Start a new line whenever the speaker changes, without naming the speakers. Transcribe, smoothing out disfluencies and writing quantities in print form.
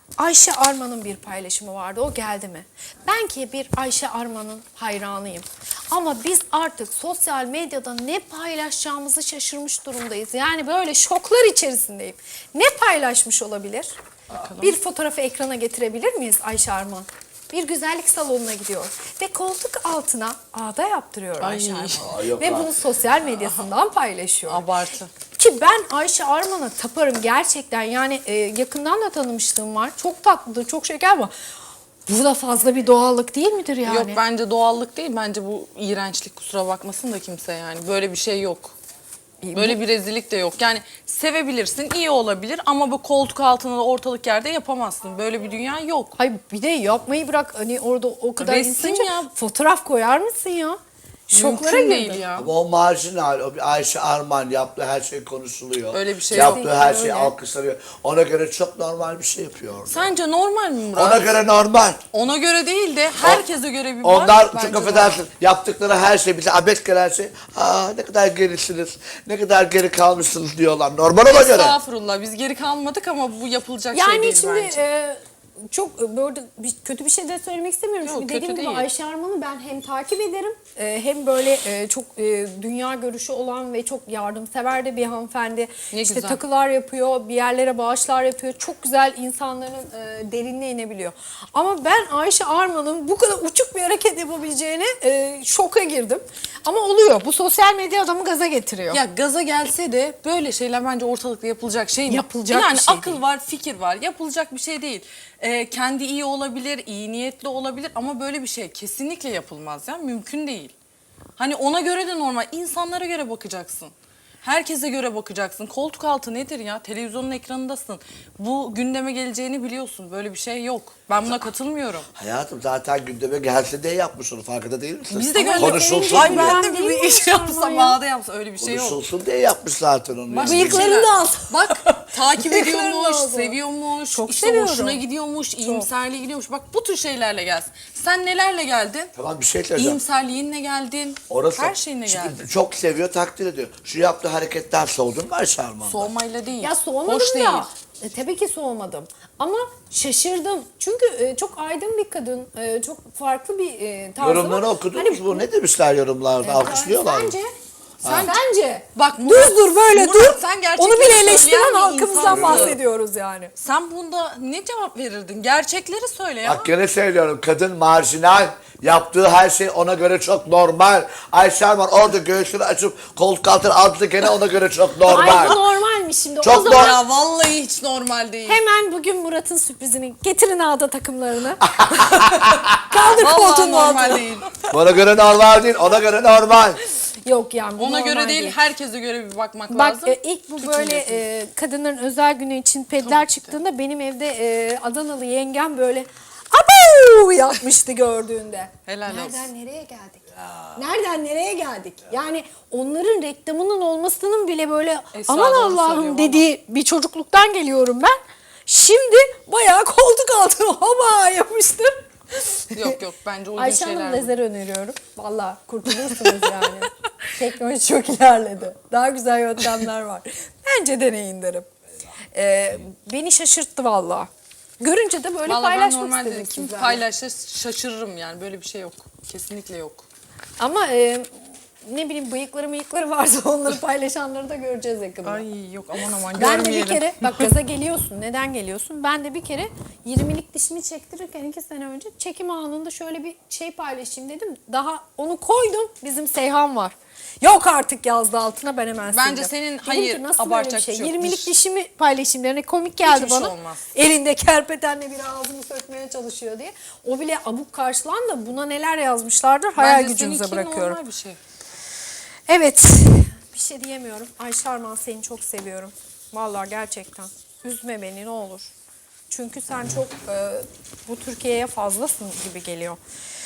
Ayşe Arman'ın bir paylaşımı vardı. O geldi mi? Ben ki bir Ayşe Arman'ın hayranıyım. Ama biz artık sosyal medyada ne paylaşacağımızı şaşırmış durumdayız. Yani böyle şoklar içerisindeyim. Ne paylaşmış olabilir? Bakalım. Bir fotoğrafı ekrana getirebilir miyiz Ayşe Arman? Bir güzellik salonuna gidiyor ve koltuk altına ağda yaptırıyor Ayşe Arman. Ve bunu sosyal medyasından paylaşıyor.
Abartı.
Ki ben Ayşe Arman'a taparım gerçekten. Yani yakından da tanımışlığım var. Çok tatlıdır, çok şeker ama bu da fazla bir doğallık değil midir yani?
Yok bence doğallık değil. Bence bu iğrençlik, kusura bakmasın da kimse yani. Böyle bir şey yok. Böyle bir rezillik de yok. Yani sevebilirsin, iyi olabilir ama bu koltuk altında da ortalık yerde yapamazsın. Böyle bir dünya yok.
Hayır bir de yapmayı bırak, hani orada o kadar
Resim
insanca
ya.
fotoğraf koyar mısın ya? Şoklara
Mümkün
girdim.
değil ya.
Ama o marjinal, o bir Ayşe Arman yaptığı her şey konuşuluyor.
Öyle bir şey
yaptığı
yok.
her şey
Öyle.
alkışlanıyor. Ona göre çok normal bir şey yapıyor orada.
Sence normal mi Murat?
Ona göre normal.
Ona göre değil de herkese göre bir var.
Onlar
Bence
çok
var.
affedersin yaptıkları her şey bize abet gelen şey. Ne kadar gerisiniz, ne kadar geri kalmışsınız diyorlar. Normal ona göre.
Estağfurullah, biz geri kalmadık ama bu yapılacak şey
Yani
değil
şimdi
bence.
çok böyle kötü bir şey de söylemek istemiyorum.
Yok,
Çünkü
kötü
dediğim gibi
değil.
Ayşe Arman'ı ben hem takip ederim hem böyle çok dünya görüşü olan ve çok yardımsever de bir hanımefendi.
Ne
işte
güzel.
takılar yapıyor, bir yerlere bağışlar yapıyor. Çok güzel insanların derinine inebiliyor. Ama ben Ayşe Arman'ın bu kadar uçuk bir hareket yapabileceğine şoka girdim. Ama oluyor. Bu sosyal medya adamı gaza getiriyor.
Ya gaza gelse de böyle şeyler bence ortalıkta yapılacak şey mi?
Yapılacak
yani
bir şey
akıl
değil.
var, fikir var. Yapılacak bir şey değil. Kendi iyi olabilir, iyi niyetli olabilir ama böyle bir şey kesinlikle yapılmaz ya. Mümkün değil. Hani ona göre de normal. İnsanlara göre bakacaksın. Herkese göre bakacaksın. Koltuk altı nedir ya? Televizyonun ekranındasın. Bu gündeme geleceğini biliyorsun. Böyle bir şey yok. Ben buna katılmıyorum.
Hayatım zaten gündeme gelse de yapmış onu, farkında değil misin?
Biz de gönderdik.
Konuşulsun
Ay
diye.
ben de
Değil mi
bir iş
Ayşe
yapsam,
Arman ya?
ağda yapsam öyle bir şey yok.
Konuşulsun diye yapmış zaten onu.
Bak,
yani.
Bıyıklarını da al.
Bak takip
Bıyıklarını
ediyormuş,
al.
seviyormuş,
Çok
işte
seviyorum.
hoşuna gidiyormuş, iyimserliğe gidiyormuş. Bak bu tür şeylerle gelsin. Sen nelerle geldin?
Tamam, bir şey söyleyeceğim.
İyimserliğinle geldin.
Orası,
Her şeyine
şimdi
geldin.
çok seviyor, takdir ediyor. Şu yaptığı hareketten soğudun mu Ayşe Arman'dan?
Soğumayla değil.
Ya soğumadım
Hoş
da.
değil.
Tabii ki soğumadım. Ama şaşırdım. Çünkü çok aydın bir kadın. Çok farklı bir tarzı
Yorumları
var.
okudunuz
Hani
mu? Ne demişler yorumlarda? Alkışlıyorlar mı?
Sence?
Bak
Düz
Murat,
dur böyle
Murat,
dur.
sen gerçekleri
Onu bile
söyleyen
eleştiren
bir
halkımızdan
insansın.
bahsediyoruz yani.
Sen bunda ne cevap verirdin? Gerçekleri söyle ya.
Bak gene söylüyorum, kadın marjinal. Yaptığı her şey ona göre çok normal. Ayşe Arman orada göğsünü açıp koltuk altına aldı, gene ona göre çok
Ay bu
normal.
normalmiş şimdi.
Çok
o zaman
Ya vallahi hiç normal değil.
hemen bugün Murat'ın sürprizini getirin ağda takımlarını. Kaldır
Vallahi
koltuğun
normal
altına.
değil.
Ona göre normal değil, ona göre normal.
Yok yani bu
Ona
normal
göre değil, herkese göre bir bakmak
Bak
lazım.
ilk bu
Bütün
böyle
yapın.
kadınların özel günü için pedler çıktığında benim evde Adanalı yengem böyle abu yapmıştı gördüğünde.
Helal
Nereden
olsun.
nereye geldik? Nereden nereye geldik? Yani onların reklamının olmasının bile böyle
Esra
aman
doğru
Allah'ım
söylüyor
dediği bir çocukluktan geliyorum ben. Şimdi bayağı koltuk altına hoba yapmıştır.
Yok yok bence uygun
Ayşe
şeyler.
Hanım
bu.
lazer öneriyorum. Valla kurtulursunuz yani. Teknoloji çok ilerledi. Daha güzel yöntemler var. Bence deneyin derim. Beni şaşırttı valla. Görünce de böyle
Vallahi ben
paylaşmak
normalde
istedim
kim
sizlerle.
paylaşsa şaşırırım yani, böyle bir şey yok. Kesinlikle yok.
Ama ne bileyim bıyıkları varsa onları paylaşanları da göreceğiz yakında.
Ay yok aman aman
Ben de bir
görmeyelim.
kere, bak gaza geliyorsun. Neden geliyorsun? Ben de bir kere 20'lik dişimi çektirirken 2 sene önce çekim anında şöyle bir şey paylaşayım dedim. Daha onu koydum. Bizim Seyhan var. Yok artık yazdı altına, ben hemen sildim.
Bence senin,
Dedim
hayır,
ki, nasıl böyle bir
abartacak
şey?
bir şey yok.
20'lik dişimi paylaşayım derine komik geldi
Hiçbir şey
bana.
olmaz.
Elinde kerpetenle bir ağzımı sökmeye çalışıyor diye. O bile abuk karşılan da buna neler yazmışlardır hayal
Bence
gücünüze
seninki
bırakıyorum.
normal bir şey.
Evet. Bir şey diyemiyorum. Ayşe Arman, seni çok seviyorum. Vallahi gerçekten. Üzme beni ne olur. Çünkü sen çok bu Türkiye'ye fazlasın gibi geliyor.